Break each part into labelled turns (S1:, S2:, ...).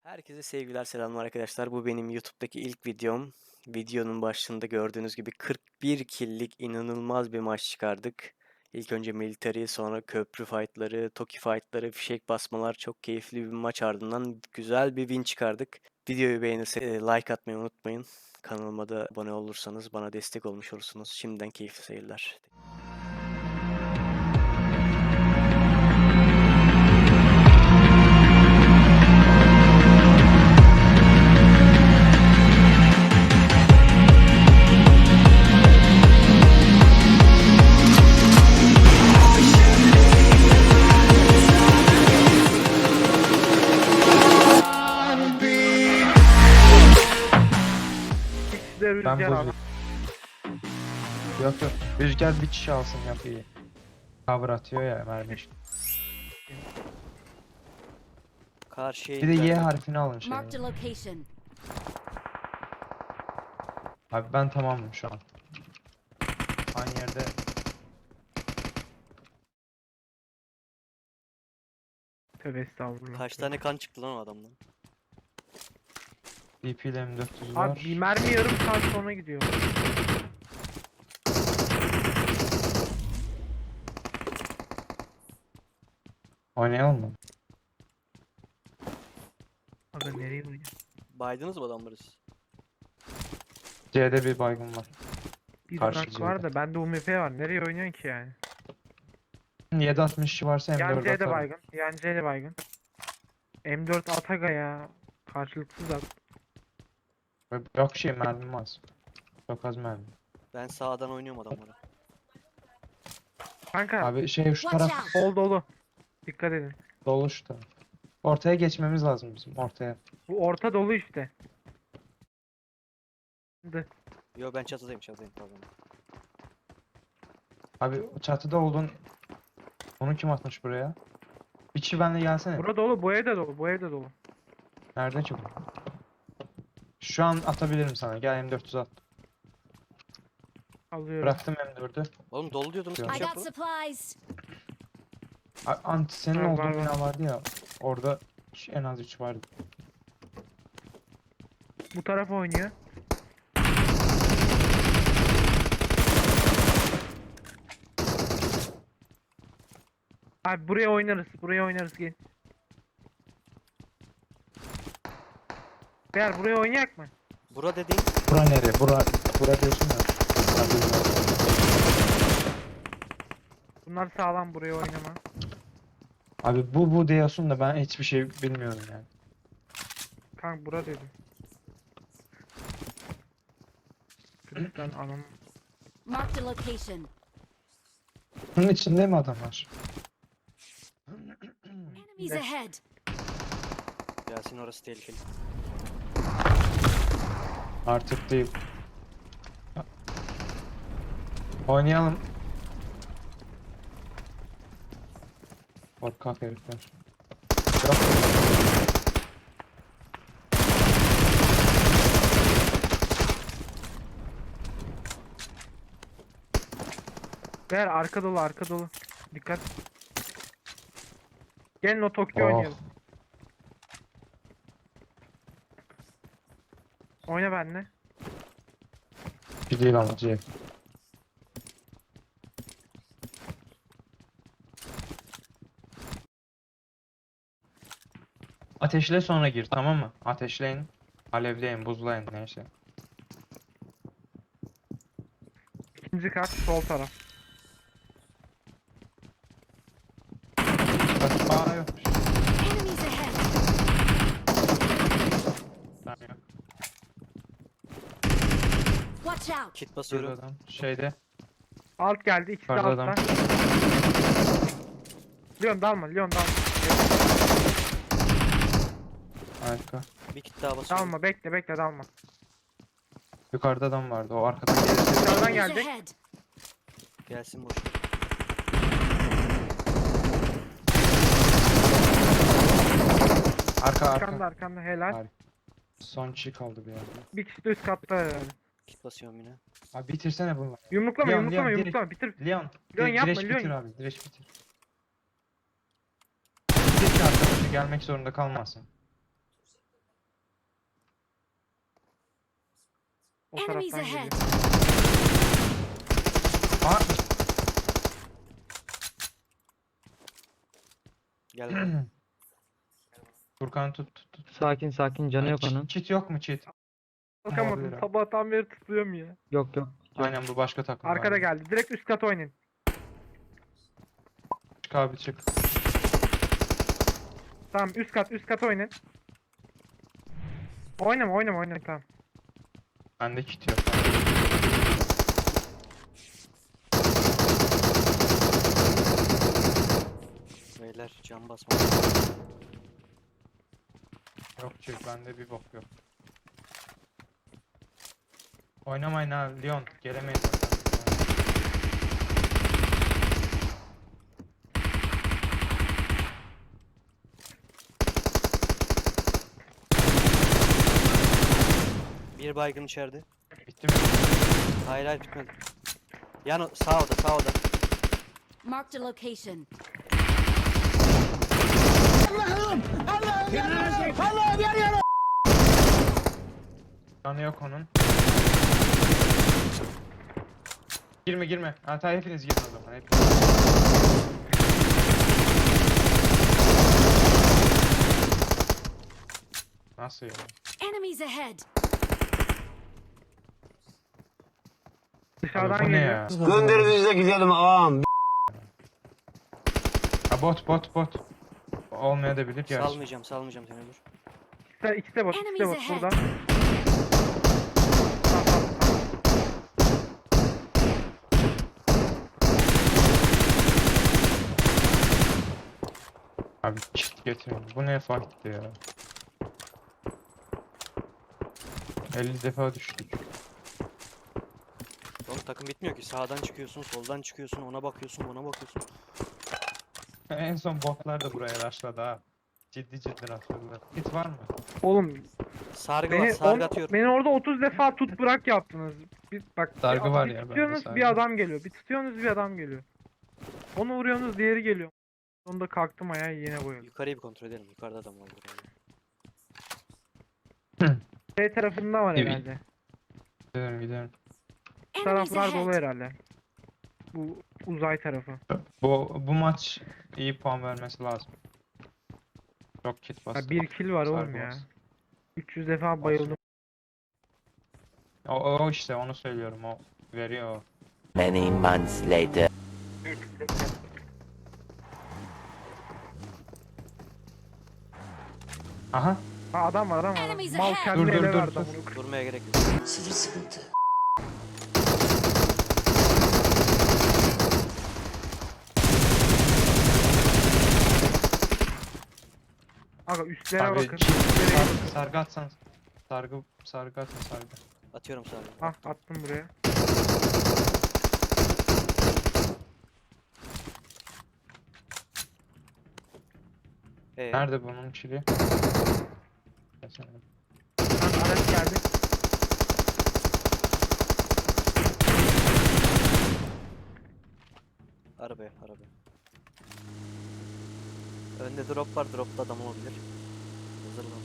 S1: Herkese sevgiler, selamlar arkadaşlar. Bu benim YouTube'daki ilk videom. Videonun başında gördüğünüz gibi 41 kill'lik inanılmaz bir maç çıkardık. İlk önce military, sonra köprü fight'ları, toki fight'ları, fişek basmalar, çok keyifli bir maç ardından güzel bir win çıkardık. Videoyu beğenirseniz like atmayı unutmayın. Kanalıma da abone olursanız bana destek olmuş olursunuz. Şimdiden keyifli seyirler.
S2: Ben
S3: Rüzgar al.
S2: bozuyorum. Yok yok. Rüzgar bir kişi alsın yapıyı. Cover atıyor ya mermi için.
S1: Karşıya
S2: Bir de Y
S1: indiler.
S2: harfini alın şey.
S4: Marked a location.
S2: Abi ben tamamım şu an. Aynı yerde.
S3: Tövbe estağfurullah.
S1: Kaç tane kan çıktı lan o adamdan?
S2: DP ile M400
S3: Abi
S2: var.
S3: bir mermi yarım saat sonra gidiyor.
S2: Oynayalım mı?
S3: Aga nereye oynuyor?
S1: Baydınız mı adamları siz?
S2: C'de bir baygın var.
S3: Bir
S2: Karşı
S3: bırak var
S2: C'de.
S3: da bende UMP var. Nereye oynuyorsun ki yani?
S2: 7.62 varsa
S3: Yan
S2: M4
S3: C'de
S2: atarım.
S3: baygın. Yan C'de baygın. M4 Ataga ya. Karşılıksız at.
S2: Yok şey mermim az. Çok az mermi.
S1: Ben sağdan oynuyorum adamlara.
S3: Kanka
S2: Abi şey şu
S4: Watch
S2: taraf
S4: out.
S3: sol dolu. Dikkat edin.
S2: dolu şu taraf. Ortaya geçmemiz lazım bizim ortaya.
S3: Bu orta dolu işte.
S1: Yo, ben çatıdayım pardon.
S2: Abi çatıda oldun. Onu kim atmış buraya? Bir kişi benimle gelsene.
S3: Bura dolu. Bu evde dolu. Bu evde dolu.
S2: Nerede çok? Şu an atabilirim sana. Gel M400 at.
S3: Alıyorum.
S2: Bıraktım M4'ü.
S1: Oğlum dolu diyordunuz,
S2: Yok.
S1: kim
S4: I
S1: şey
S4: got
S1: yaptı?
S4: supplies.
S2: Senin
S3: Var,
S2: olduğun
S3: var,
S2: bina vardı ya. Orada en az 3 vardı.
S3: Bu taraf oynuyor. Abi buraya oynarız. Buraya oynarız gel. Beyler buraya oynayak mı?
S1: Bura dediğin
S2: Bura nere? Bura diyorsun ya. Ben bilmiyorum.
S3: Bunlar sağlam, buraya oynama.
S2: Abi bu diyorsun da ben hiçbir şey bilmiyorum yani.
S3: Kanka bura dedim. Kırıktan anam.
S4: Marked a location.
S2: Bunun içinde mi adamlar?
S4: Enemies ahead.
S1: Yasin, orası tehlikeli.
S2: Artık değil. Oynayalım. Korkak herifler. Yok.
S3: Beyler arka dolu, arka dolu. Dikkat. Gelin o Tokyo
S2: Oh.
S3: oynayalım. Oyna benimle.
S2: Bir değil ama C. Ateşle sonra gir, tamam mı? Ateşleyin, alevleyin, buzlayın neyse.
S3: İkinci kat sol taraf.
S2: Bak, yok.
S4: Enemies ahead.
S2: Tamam, yok.
S4: Watch out.
S1: Kit
S2: Şurada
S1: basıyorum.
S2: adam. Şeyde.
S3: Alt geldi, ikisi de
S2: Yukarıda
S3: altta.
S2: adam.
S3: Leon dalma, Leon dalma.
S2: Harika.
S1: Bir kit daha basıyorum.
S3: Dalma, bekle bekle dalma.
S2: Yukarıda adam vardı. O arkadan gelirse.
S3: Dışarıdan
S4: Enemies
S3: gelecek.
S4: ahead.
S1: Gelsin boş.
S2: Arka
S3: Arkanda
S2: arka.
S3: arkanda helal.
S2: Harika. Son kişi kaldı bir yerde.
S3: Bir kişi de üst katta herhalde.
S1: Kit basıyorum yine.
S2: Abi bitirsene bunu.
S3: Yumruklama,
S2: Leon,
S3: yumruklama,
S2: Leon,
S3: yumruklama. Bitir.
S2: Leon.
S3: Leon yapma,
S2: Direç
S3: Leon.
S2: bitir abi. Direç bitir. Bitir ki arkadaşı gelmek zorunda kalmasın.
S3: O
S4: Enemies
S3: taraftan
S4: ahead.
S3: geliyor.
S2: Aa,
S1: Gel bana.
S2: Furkan tut.
S5: Sakin sakin canı yok onun.
S2: Çit yok mu çit?
S3: Bakamadım.
S2: Olabilir ha.
S3: Sabahtan beri tutuyorum ya.
S5: Yok yok.
S2: Aynen bu başka takım.
S3: Arkada
S2: galiba.
S3: geldi. Direkt üst kat oynayın.
S2: Çık abi çık.
S3: Tamam üst kat oynayın. Oynama tamam.
S2: Bende kit yok.
S1: Beyler can basma.
S2: Yok çık bende bir bok yok. Oynamayın ha Leon. Gelemeyiz zaten.
S1: Bir baygın içeride.
S2: Bitti mi?
S1: Hayır hayır bitmedi. Yan sağ oda sağ oda.
S4: Marked a location.
S2: Canı yok onun. Girme. Hatta hepiniz girin o zaman. Hepiniz. Nasıl ya?
S4: Enemies ahead.
S3: Dışarıdan
S2: Abi bu ne
S3: geliyor.
S2: ya?
S6: Gönderinize gidelim ağam.
S2: Ha bot. Olmayabilir gerçi.
S1: Salmayacağım seni dur.
S3: İkisi de bot
S4: Enemies ahead.
S3: burada. Tamam.
S2: Abi çift getirin. Bu ne farktı ya? 50 defa düştük.
S1: Oğlum takım bitmiyor ki. Sağdan çıkıyorsun, soldan çıkıyorsun, ona bakıyorsun, buna bakıyorsun.
S2: En son botlar da buraya rushladı ha. Ciddi rushladılar. Hit var mı?
S3: Oğlum
S1: Sargı var, sargı atıyorum.
S3: beni orada 30 defa tut bırak yaptınız. Bak
S2: Sargı var
S3: bir
S2: ya, bende
S3: tutuyorsunuz
S2: sargı.
S3: bir adam geliyor. Bir tutuyorsunuz bir adam geliyor. Onu vuruyorsunuz diğeri geliyor. Sonunda kalktım ayağa yine boyadım.
S1: Yukarıyı bir kontrol edelim. Yukarıda adam var.
S3: B tarafında var
S2: Evet.
S3: herhalde.
S2: Gidelim.
S3: Bu
S4: Enemies
S3: taraflar dolu
S4: ahead.
S3: herhalde. Bu uzay tarafı.
S2: Bu maç iyi puan vermesi lazım. Çok kit
S3: Ha,
S2: bastı.
S3: bir kill var oğlum
S2: Sargı
S3: ya.
S2: bastı.
S3: 300 defa bayıldım.
S2: O işte onu söylüyorum, o veriyor o.
S6: Many months later.
S2: Aha
S3: Ha adam var.
S4: Enemies
S3: Mal
S4: ahead.
S3: kendine
S2: Dur,
S3: ele
S2: dur,
S3: verdi
S2: dur.
S3: amına koyayım.
S1: Durmaya gerek yok.
S6: Sıfır sıkıntı.
S3: Aga üstlere
S2: abi
S3: bakın.
S2: çift
S3: Üstlere bakın.
S2: sargı atsan. Sargı atın sargı.
S1: Atıyorum sargı.
S3: Ah attım buraya.
S2: Nerede bunun çili?
S3: Ha, araç geldi.
S1: Arabaya. Önde drop var. Dropta adam olabilir. Hazırlan.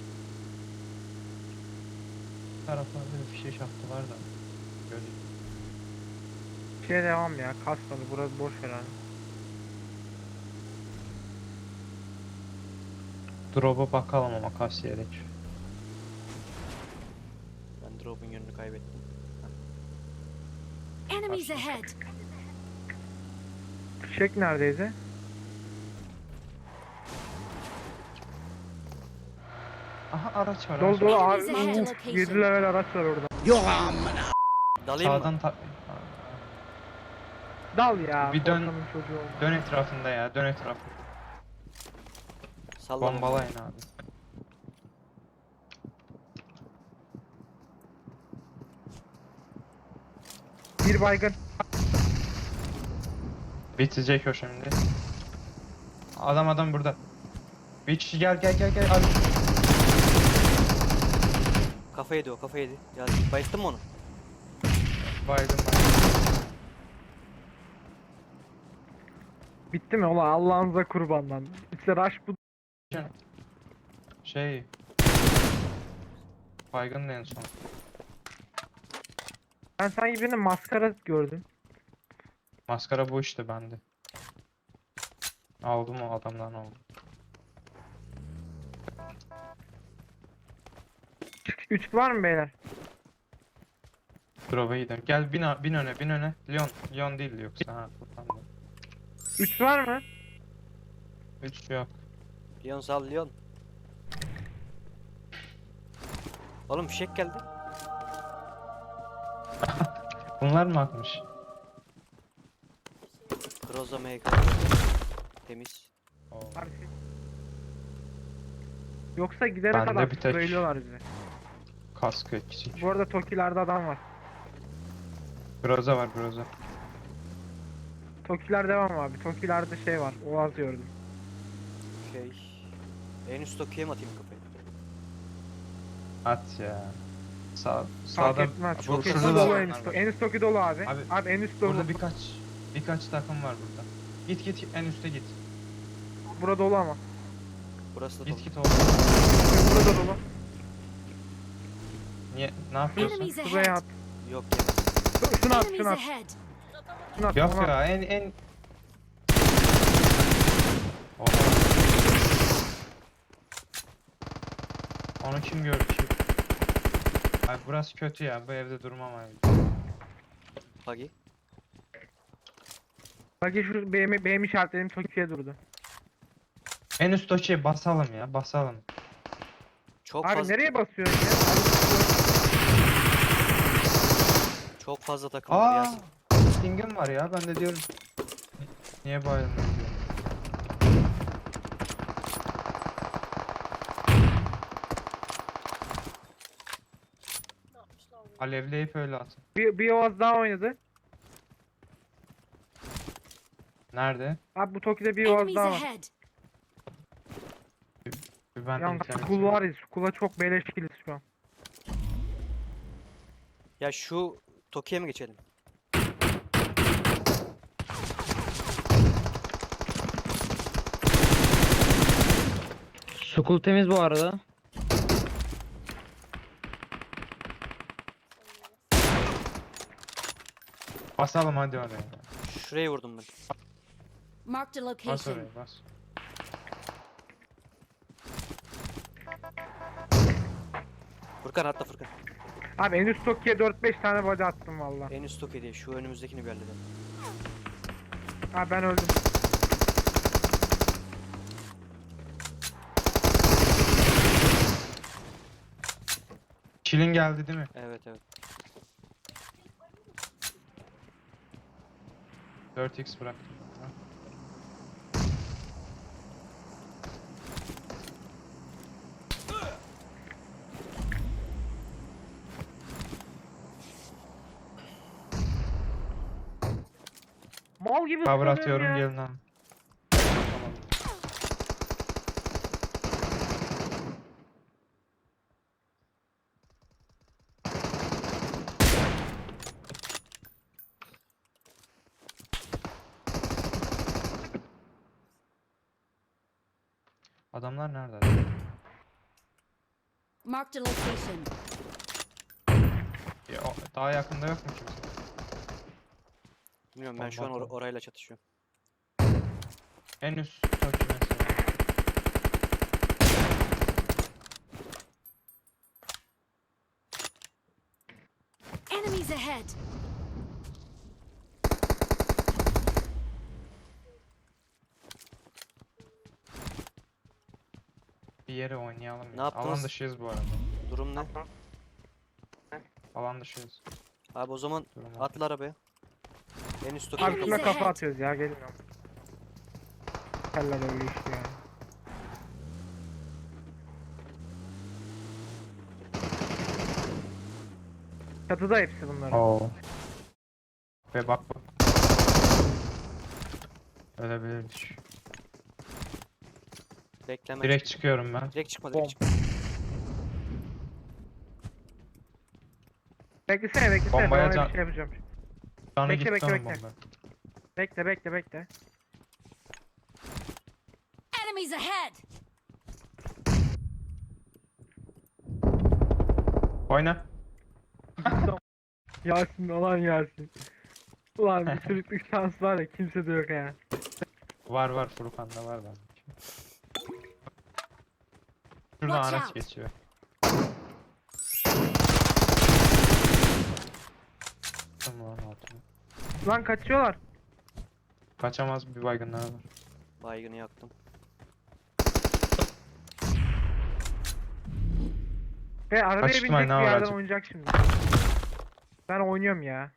S2: Taraflarda bir fişek attılar da. Gördük.
S3: Şeye devam ya. Kasmadı. Burası boş herhalde.
S2: Drop'a bakalım ama kasiyerek.
S1: Ben drop'un yönünü kaybettim.
S4: Enemies ahead.
S3: Fişek neredeydi?
S2: Aha araç var.
S3: Dolu
S2: araç
S3: dolu
S2: var.
S3: abi.
S4: Enemies ahead
S3: Uf,
S4: location.
S3: 7 level araç var orada.
S1: Dalayım mı?
S2: Sağdan
S3: Dal ya.
S2: Bir dön-
S3: korkanın çocuğu oldu.
S2: dön etrafında ya, dön etrafında.
S1: Sallama.
S2: Bombalayın abi.
S3: Bir baygın.
S2: Bitecek o şimdi. Adam burada. Bir kişi gel abi.
S1: Kafa yedi o, kafa yedi. Ya bayılttın mı onu?
S2: Baydım.
S3: Bitti mi? Ulan Allah'ınıza kurban lan. İşte rush bu.
S2: Şey. Baygın en son.
S3: Ben sanki birinin maskara gördüm.
S2: Maskara bu işte bende. Aldım o adamdan aldım.
S3: 3 var mı beyler?
S2: Drop'a gidelim. Gel bin öne. Leon değil yoksa ha. Furkan da.
S3: 3 var mı?
S2: 3 yok.
S1: Leon sal Leon. Oğlum fişek geldi.
S2: Bunlar mı atmış?
S1: Groza MK. Temiz.
S2: Oo.
S3: Abi şey- Yoksa gidene
S2: Bende
S3: kadar
S2: bir tek-
S3: söylüyorlar bize.
S2: Kaskı eksik.
S3: Bu arada Toki'lerde adam var.
S2: Groza var Groza.
S3: Toki'ler devam abi. Toki'lerde şey var. Oğaz gördüm.
S1: Okey. En üst Tokyo'ya mı atayım kafayı?
S2: At ya.
S3: Fark
S2: Sağda
S3: etmez.
S2: bu
S1: Çok
S3: Toki
S2: şurada
S3: dolu
S2: da
S3: en üst. En üst Toki dolu abi.
S2: Abi,
S3: Abi en üst dolu.
S2: burada birkaç takım var burada. Git en üste git.
S3: Bura dolu ama.
S1: Burası da dolu.
S2: Git oğlum.
S3: Burada dolu.
S2: Niye? Ne yapıyorsun?
S4: Enemies
S3: Buraya
S4: ahead.
S3: at.
S1: Yok ya.
S3: Şunu at,
S4: Enemies
S3: şunu at.
S4: ahead.
S3: Şunu at.
S2: Yok
S3: onu at.
S2: ya en Oha. Onu kim gördü ki? Ay burası kötü ya. Bu evde durmam abi.
S1: Buggy.
S3: Bak şu benim işaretlerim Toki'ye durdu.
S2: En üst doçeye basalım ya. Basalım.
S1: Çok
S3: Abi
S1: fazla
S3: nereye basıyorsun ya?
S1: çok fazla takım var
S2: Aa!
S1: Yasin.
S2: Sting'im var ya. Ben de diyorum. Niye bayılmıyor diyorum. Alevleyip öyle atın.
S3: Bir Oğaz daha oynadı.
S2: Nerede?
S3: Abi bu Toki'de bir Oğaz
S4: Enemies
S3: daha var.
S4: ahead.
S2: Bir ben
S3: Yalnız
S2: internet-
S3: Skul var ya. Skul'a çok beleşkiliz şu an.
S1: Ya şu Tokyo'ya mı geçelim?
S5: Sukul temiz bu arada.
S2: Basalım hadi oraya.
S1: Şuraya vurdum ben.
S4: Marked a
S2: Bas
S4: location.
S2: oraya bas.
S1: Furkan atla Furkan.
S3: Abi en üst Toki'ye 4-5 tane body attım valla.
S1: En üst Tokyo diye şu önümüzdekini bir halledelim.
S3: Abi ben öldüm.
S2: Çilin geldi değil mi?
S1: Evet evet.
S2: 4x bıraktım.
S3: Mal gibi
S2: Cover
S3: ıslanıyorum
S2: atıyorum
S3: ya.
S2: gelin lan. Adamlar nerede?
S4: Marked a location.
S2: Ya, daha yakında yok mu kimse?
S1: Bilmiyorum ben şu an
S2: Bomba atalım.
S1: orayla çatışıyorum.
S2: En üst Tokyo mesela.
S4: Enemies ahead.
S2: Bir yere oynayalım
S1: Ne
S2: ya. Alan
S1: yaptınız?
S2: dışıyız bu arada.
S1: Durum ne?
S2: Alan dışıyız.
S1: Abi o zaman
S2: Durum
S1: atla arabaya. En üst
S3: Abi
S1: Tokyo'ya
S3: şuna
S4: Enemies
S3: kafa
S4: ahead.
S3: atıyoruz ya gelin ya. Keller öyle işte ya. Çatıda hepsi bunların.
S2: Oo. Ve bak bak. Ölebilirmiş.
S1: Bekleme.
S2: Direkt çıkıyorum ben.
S1: Direkt çıkma
S3: Bom.
S1: direkt çıkma.
S3: Beklesene
S2: Bombaya
S3: ben öyle
S2: can-
S3: bir şey yapacağım.
S2: Canı
S3: Bekle,
S2: gitti
S3: bekle,
S2: onun
S3: bekle.
S2: bomba.
S3: Bekle.
S4: Enemies ahead.
S2: Oyna.
S3: Yasin olan Yasin. Ulan bir sürüklük şans var ya kimse de yok ya.
S2: Var Furkan'da var bende. Şuradan
S4: Watch
S2: araç
S4: out.
S2: geçiyor. Tamam altına.
S3: Lan kaçıyorlar.
S2: Kaçamaz bir baygınlar var.
S1: Baygını yaktım.
S3: Ve arabaya
S2: Kaçtım
S3: binecek bir
S2: aynen,
S3: yerden
S2: aracı.
S3: oynayacak şimdi. Ben oynuyorum ya.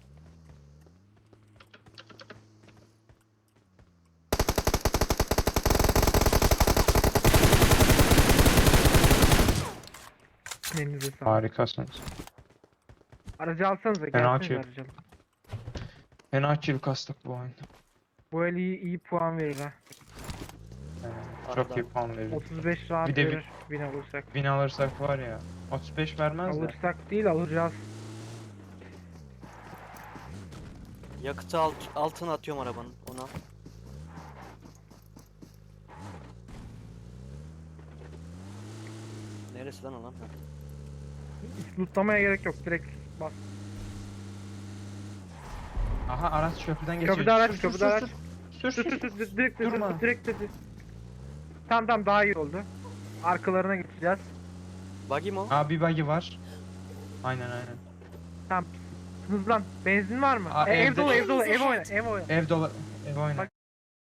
S3: Elinize sağlık.
S2: Harikasınız.
S3: Aracı alsanıza
S2: Fena
S3: gelsenize
S2: açıyor.
S3: aracı alın.
S2: Fena kill kastık bu oyunda.
S3: Bu el iyi puan verir ha.
S2: Çok iyi puan verir.
S3: 35 rahat
S2: Bir de
S3: verir. Win alırsak.
S2: Win alırsak var ya. 35 vermez de.
S3: Alırsak değil alacağız.
S1: Yakıtı altına atıyorum arabanın. Ona. Neresi lan o lan? Ha.
S3: Hiç lootlamaya gerek yok. Direkt bas.
S2: Aha araç köprüden geçiyor.
S3: Köprüde araç,
S2: Sür,
S3: köprüde
S2: sür,
S3: araç.
S2: Sür
S3: Sür
S2: sür.
S3: sür sür direkt
S2: Durma.
S3: direkt. Tamam daha iyi oldu. Arkalarına geçeceğiz.
S1: Buggy mi o?
S2: Aa bir buggy var. Aynen.
S3: Tamam. Hızlan. Benzin var mı?
S2: Aa,
S3: Ev
S2: evde-
S3: dolu, ev dolu, ev oyna, ev oyna.
S2: Ev dolu. Ev oyna.
S3: Bak-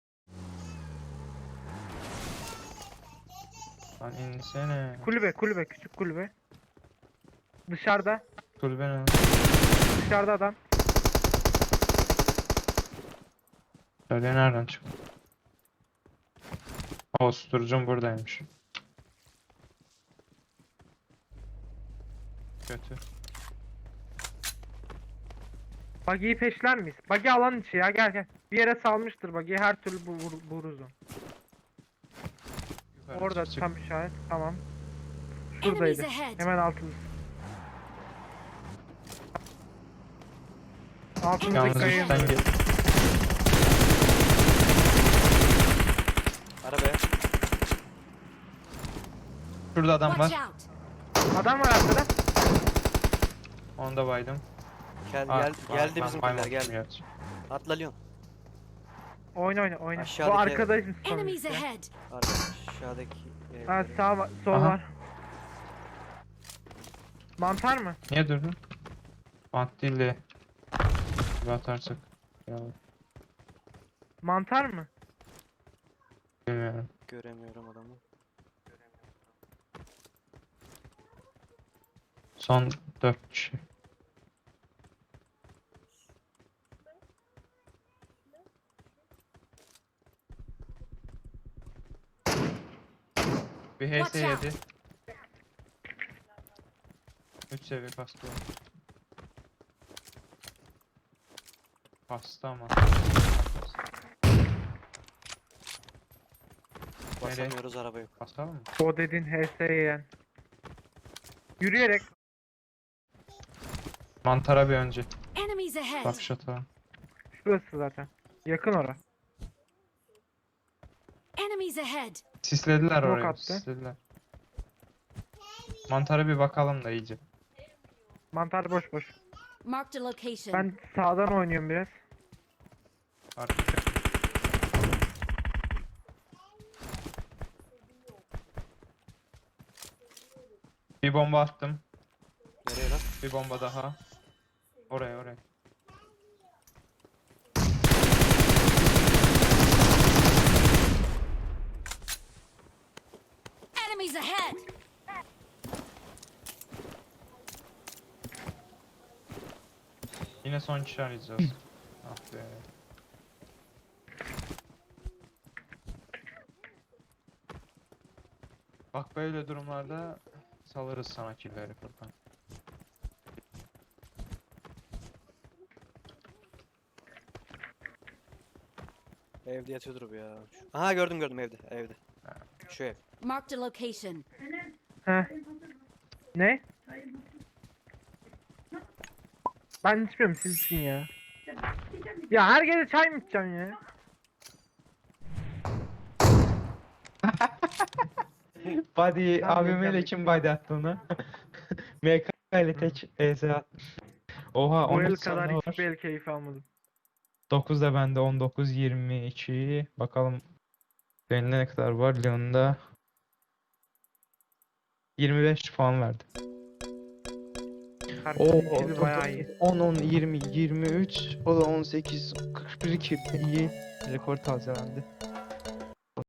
S2: Lan insene.
S3: Kulübe, küçük kulübe. Dışarıda,
S2: Kulübe ne?
S3: dışarıda adam.
S2: Söyle nereden çıktı? O susturucum buradaymış. Kötü.
S3: Buggy'yi peşler miyiz? Buggy alan içi ya, gel. Bir yere salmıştır buggy'yi, her türlü buluruz onu.
S2: Yukarı
S3: Orada
S2: çık.
S3: tam işaret, tamam.
S4: Enemies
S3: Şuradaydı,
S4: ahead.
S3: hemen altımız. Altımızdaki
S2: Yalnız
S3: kayaya
S2: üstten
S3: indiriyor.
S2: gel.
S1: Arabaya.
S2: Şurada adam
S4: Watch
S2: var.
S4: out.
S3: Adam var arkada.
S2: Onu da baydım.
S1: Geldi
S2: Ben
S1: bizimkiler
S2: baymamışım
S1: geldi.
S2: gerçi.
S1: Atla Leon.
S3: Oyna.
S1: Aşağıdaki
S3: Bu arkadaşım
S4: Enemies
S3: sonuçta.
S4: ahead.
S1: Aşağıdaki
S3: Ha,
S1: evlere.
S3: sağ var, sol
S2: Aha.
S3: var. Mantar mı?
S2: Niye durdun? Bant değil de. Bir atarsak. Ya,
S3: Mantar mı?
S2: bilmiyorum.
S1: Göremiyorum adamı.
S2: Son 4 kişi. Bir HS
S4: Watch out.
S2: yedi. 3 seviye kastı var. Kastı ama.
S1: Basamıyoruz araba yok.
S2: Basalım mı?
S3: O dediğin HS'ye yani. Yürüyerek.
S2: Mantara bir önce.
S4: Enemies ahead.
S2: Bakış atalım.
S3: Şurası zaten. Yakın ora.
S4: Enemies ahead.
S2: Sislediler
S3: Smoke
S2: orayı.
S3: attı.
S2: Sislediler. Mantara bir bakalım da iyice.
S3: Mantar boş.
S4: Marked a location.
S3: Ben sağdan oynuyorum biraz.
S2: Arkadaşlar. Bir bomba attım.
S1: Nereye lan?
S2: Bir bomba daha. Oraya.
S4: Enemies ahead.
S2: Yine son kişi arayacağız. Ah be. Bak böyle durumlarda salırız sana killleri Furkan.
S1: Evde yatıyordur bu ya. Aha gördüm evde. Şu ev.
S4: Marked a location.
S3: Heh. Ne? Ben içmiyorum, siz için ya. Ya her gece çay mı içeceksin ya?
S2: Body
S3: AVM ile
S2: kim body attı onu? MK ile tek EZ attı. Oha
S3: Bu el
S2: 19
S3: kadar
S2: sende var.
S3: hiçbir el keyif almadım.
S2: 9 da bende 19 22. Bakalım Leon'da ne kadar var? Leon'da 25 puan verdi.
S3: Herkesin
S2: Oo,
S3: ikili bayağı iyi.
S2: 10 10 20 23 o da 18 41 iyi rekor tazelendi.